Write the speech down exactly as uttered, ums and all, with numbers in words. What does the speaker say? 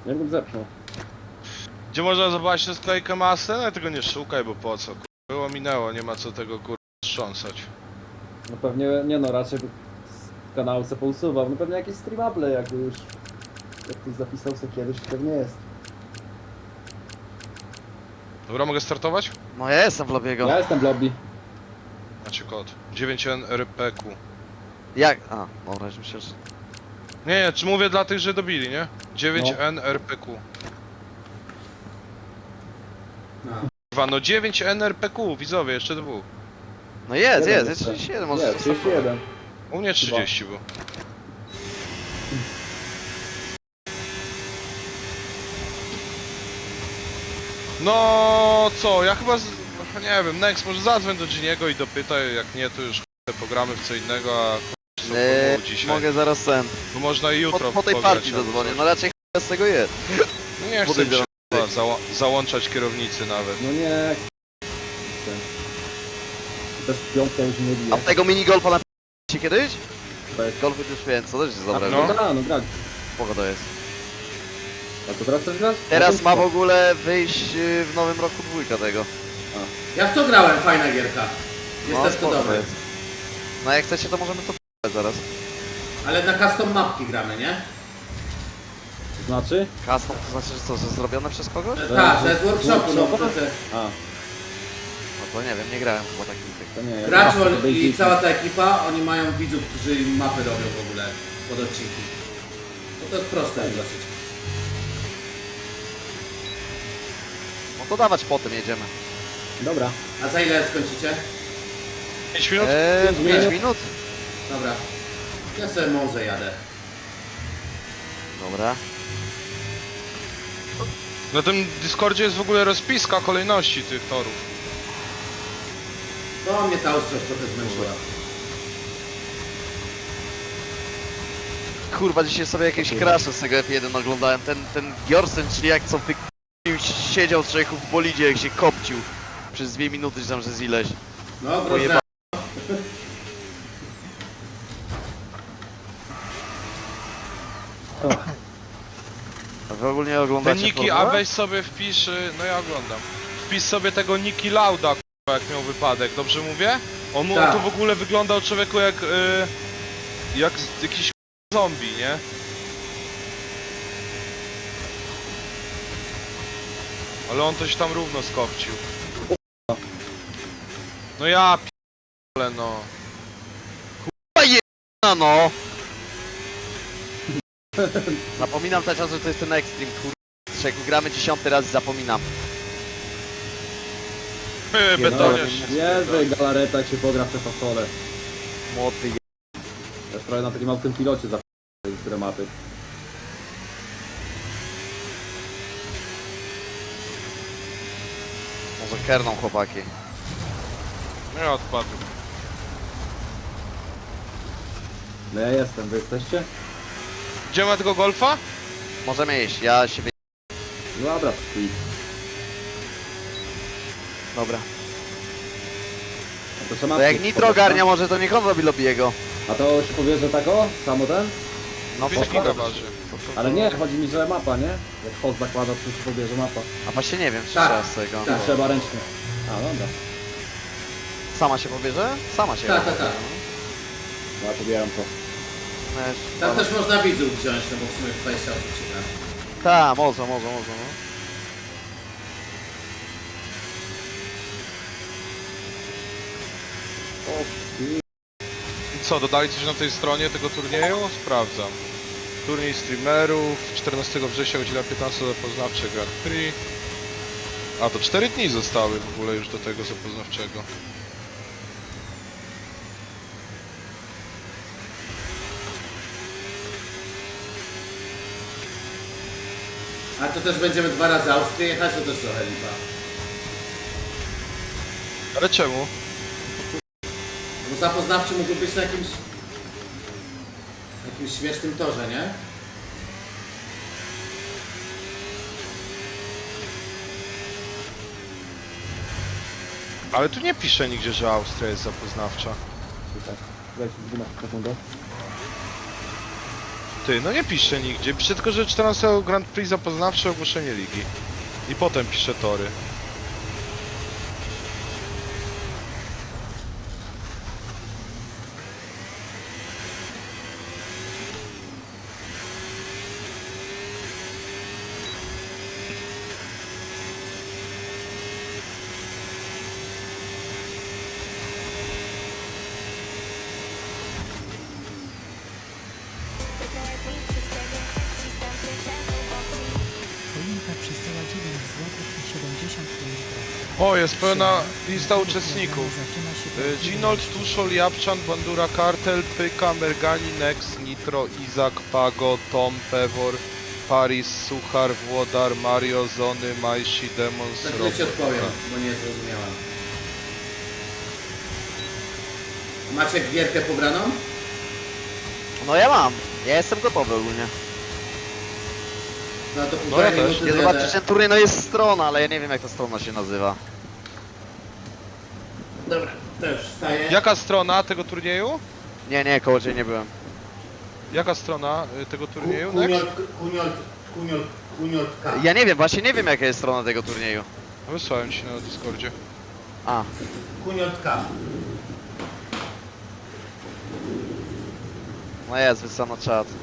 Ja bym zepchnął. Gdzie można zobaczyć tę sklejkę masy? No tego nie szukaj, bo po co? Kur... Było minęło, nie ma co tego kur... strząsać. No pewnie, nie no, raczej by z kanału se pousuwał. No pewnie jakieś streamable, jakby już... Jak ktoś zapisał sobie kiedyś, to pewnie jest. Dobra, mogę startować? No ja jestem w lobiego. Ja jestem w lobby. Macie kod. dziewięć N R P Q. Jak? A, dobra, już myślę, że... Nie, nie, czy mówię dla tych, że dobili, nie? dziewięć N No. R P Q. No. Kurwa, no dziewięć N R P Q, widzowie, jeszcze dwóch. No jest, Jeden jest, jest jeszcze. trzydzieści jeden, może Nie, trzydzieści jeden. U mnie trzydzieści było. No co, ja chyba, z... nie wiem, Next może zadzwoń do Giniego i dopytaj, jak nie to już ch- pogramy w co innego, a ch- są Eee, eee, dzisiaj. mogę zaraz ten. Bo można i Po, jutro po tej pograć, partii albo zadzwonię, coś. no raczej ch- z tego jest. No nie chcę mi podejdę się do- kurwa, zała załączać kierownicy nawet. No nie... Bez piątka już nie bije. A w tego minigolfa na się kiedyś? To jest... Golfy już wiem, co też jest dobre. no. No da, no grać. Spoko to jest. A to teraz też grać? Teraz No ma to w ogóle wyjść y, w nowym roku dwójka tego. Ja w to grałem, fajna gierka. Jest No, też to spoko dobre. jest. No jak chcecie to możemy to p***ać zaraz. Ale na custom mapki gramy, nie? To znaczy? Custom to znaczy, że co, że zrobione przez kogoś? E, To Tak, jest to jest workshopu, no workshopa? to te A, No to nie wiem, nie grałem chyba takich tych. to nie. ja gracz grałem w i Basic. cała ta ekipa, oni mają widzów, którzy im mapy robią w ogóle pod odcinki. No to jest proste dosyć. No to dawać potem jedziemy. Dobra. A za ile skończycie? pięć minut? Eee, Pięć pięć minut. minut? Dobra. Ja sobie może jadę. Dobra. Na tym Discordzie jest w ogóle rozpiska kolejności tych torów. No mnie ta ostrość trochę zmęczyła. Kurwa, dzisiaj sobie jakieś crashe z tego F jeden oglądałem. Ten, ten Gjorsen, czyli jak co wy... siedział człowieku w bolidzie, jak się kopcił. Przez dwie minuty, czy tam, że z ileś. No Pojeba- groźne. A wy ogólnie Te oglądacie Niki, a Formułę? weź sobie wpisz, y, no ja oglądam. Wpisz sobie tego Niki Lauda, kurwa, jak miał wypadek, dobrze mówię? On, mu- on Tak. to w ogóle wyglądał człowieku jak, y, jak z- jakiś zombie, nie? Ale on coś tam równo skopcił. No ja p***le no. No no! Zapominam cały czas, że to jest ten Extreme, kurwa. Jak gramy dziesiąty raz, zapominam. Yy, Nie, no, betoniarz się Jezu, galareta jak się pogra w te fasole. Młody je... Ja już prawie na takim małym pilocie za które mapy. Może kerną chłopaki. No ja odpadł. No ja jestem, wy jesteście? Gdzie ma tego golfa? Możemy iść, ja się wy... No dobra, i Dobra. a to trzeba... To jak Nitro ogarnia, może to niech on robi lobby'ego. A to się powie, że tak o? Samo ten? No pięć to giga waży. Ale nie, chodzi mi, że mapa, nie? Jak host zakłada, to się powie, że mapa. A właśnie nie wiem, czy Tak, trzeba z tego. tak. Trzeba ręcznie. A, dobra. Sama się pobierze? Sama się Tak, pobierze. tak, tak. No ja pobieram to. No już- Tam też można widzów wziąć, no bo w sumie dwadzieścia osób się gra. Tak, może, może, może, no. O, i- I co, dodali coś na tej stronie tego turnieju? Sprawdzam. Turniej streamerów, czternastego września, godzina piętnasta zapoznawcze Grand Prix. A, to cztery dni zostały w ogóle już do tego zapoznawczego. Ale to też będziemy dwa razy Austrię jechać, to też trochę lipa. Ale czemu? Bo zapoznawczy mógłby być na jakimś... jakimś śmiesznym torze, nie? Ale tu nie pisze nigdzie, że Austria jest zapoznawcza. Tutaj. Weź zginę sekundę. Ty, no nie pisze nigdzie. Pisze tylko, że czternastego Grand Prix zapoznawcze ogłoszenie ligi. I potem pisze tory. Choinka przesyła dziewięć złotych i siedemdziesiąt pięć groszy. O, jest pełna lista Siedem. uczestników. Zaczyna się Y, od Ginold, dziewiętnastu. Tuszol, Japczan, Bandura, Kartel, Pyka, Mergani, Nex, Nitro, Izak, Pago, Tom, Pewor, Paris, Suchar, Włodar, Mario, Zony, Majsi, Demons, Za chwilę ci Robot. odpowiem, bo nie zrozumiałem. Macie gierkę pobraną? No ja mam. Ja jestem gotowy ogólnie. No to No półtorej ja też. minuty Nie zjadę. zobaczyć ten turniej, no jest strona, ale ja nie wiem jak ta strona się nazywa. Dobra, też wstaję. Jaka strona tego turnieju? Nie, nie, koło ciebie nie byłem. Jaka strona y, tego turnieju? Nex? Kuniolt, kuniolt, kuniolt, kuniolt K. Ja nie wiem, właśnie nie wiem jaka jest strona tego turnieju. Wysłałem ci na Discordzie. A, Kuniolt K. no jest, wysłano czat.